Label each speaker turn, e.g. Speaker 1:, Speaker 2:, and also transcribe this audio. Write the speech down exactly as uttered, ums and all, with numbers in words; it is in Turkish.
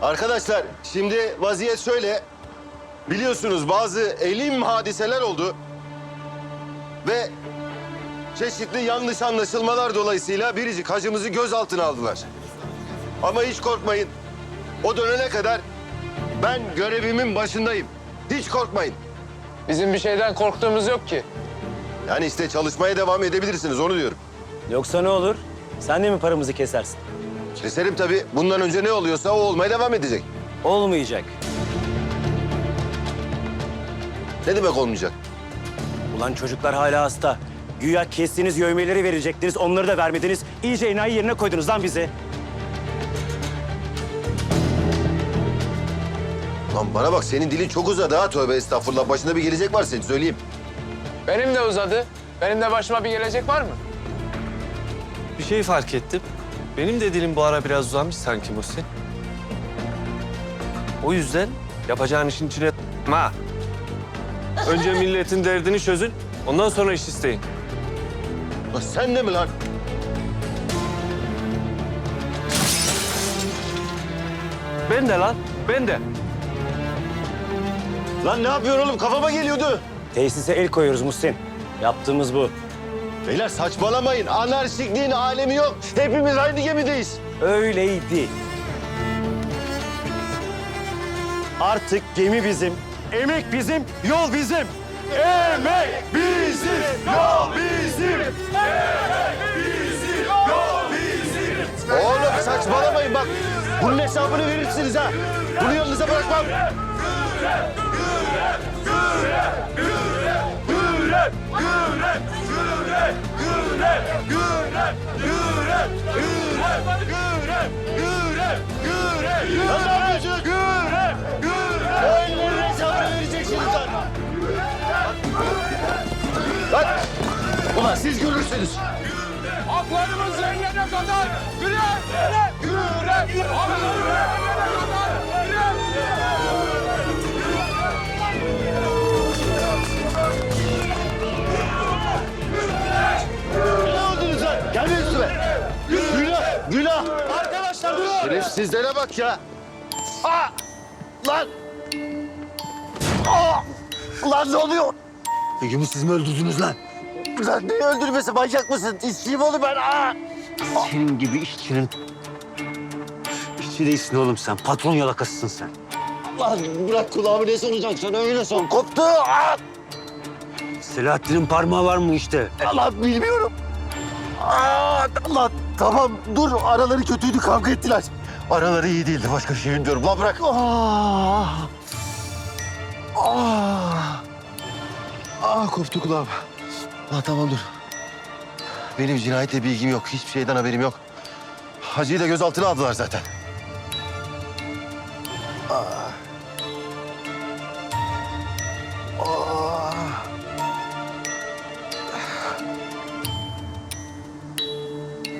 Speaker 1: Arkadaşlar şimdi vaziyet şöyle. Biliyorsunuz bazı elim hadiseler oldu. Ve çeşitli yanlış anlaşılmalar dolayısıyla biricik hacımızı gözaltına aldılar. Ama hiç korkmayın. O dönene kadar ben görevimin başındayım. Hiç korkmayın.
Speaker 2: Bizim bir şeyden korktuğumuz yok ki.
Speaker 1: Yani işte çalışmaya devam edebilirsiniz, onu diyorum.
Speaker 3: Yoksa ne olur? Sen de mi paramızı kesersin?
Speaker 1: Keserim tabii. Bundan önce ne oluyorsa o olmaya devam edecek.
Speaker 3: Olmayacak.
Speaker 1: Ne demek olmayacak?
Speaker 3: Ulan çocuklar hala hasta. Güya kestiğiniz yövmeleri verecektiniz, onları da vermediniz. İyice enayi yerine koydunuz lan bizi.
Speaker 1: Lan bana bak, senin dilin çok uzadı ha, tövbe estağfurullah. Başında bir gelecek var senin, söyleyeyim.
Speaker 2: Benim de uzadı. Benim de başıma bir gelecek var mı?
Speaker 4: Bir şey fark ettim. Benim de dilim bu ara biraz uzamış sanki Muhsin. O yüzden yapacağın işin içine ha. Önce milletin derdini çözün, ondan sonra iş isteyin.
Speaker 1: Lan sen de mi lan?
Speaker 4: Ben de lan, ben de.
Speaker 1: Lan ne yapıyorsun oğlum? Kafama geliyordu.
Speaker 3: Tesise el koyuyoruz Muhsin. Yaptığımız bu.
Speaker 1: Beyler saçmalamayın. Anarşikliğin alemi yok. Hepimiz aynı gemideyiz.
Speaker 3: Öyleydi. Artık gemi bizim, emek bizim, yol bizim. Emek bizim, yol bizim.
Speaker 1: Oğlum saçmalamayın bak. Bunun hesabını verirsiniz ha. Bunu yanınıza bırakmam. Lan ne yapıyorsun? O ellerin hesabını vereceksiniz lan. Lan! Ulan siz görürsünüz.
Speaker 2: Haklarımız yerine kadar güre, güre, güre. Haklarımız yerine kadar güre.
Speaker 1: Ne oldunuz lan? Gelmeyin üstüme. Günah, günah. Arkadaşlar durun. Şerefsizlere bak ya. Aa! Lan! Aa! Lan ne oluyor? Begüm'ü siz mi öldürdünüz lan? Lan ne öldürmesi? Manyak mısın? İşçiyim oğlum ben. Aa!
Speaker 5: Senin gibi işçinin... İşçi değilsin oğlum sen. Patron yalakasısın sen.
Speaker 1: Lan bırak kulağımı, ne soracaksın? Öyle sor. Koptu. Aa!
Speaker 5: Selahattin'in parmağı var mı işte?
Speaker 1: Lan bilmiyorum. Aa! Lan tamam dur. Araları kötüydü. Kavga ettiler. Araları iyi değildi. Başka bir şey bilmiyorum. Lan bırak. Aa! Aa! Aa koptu kulağım. Lan tamam dur. Benim cinayetle bilgim yok. Hiçbir şeyden haberim yok. Hacı'yı da gözaltına aldılar zaten. Aa.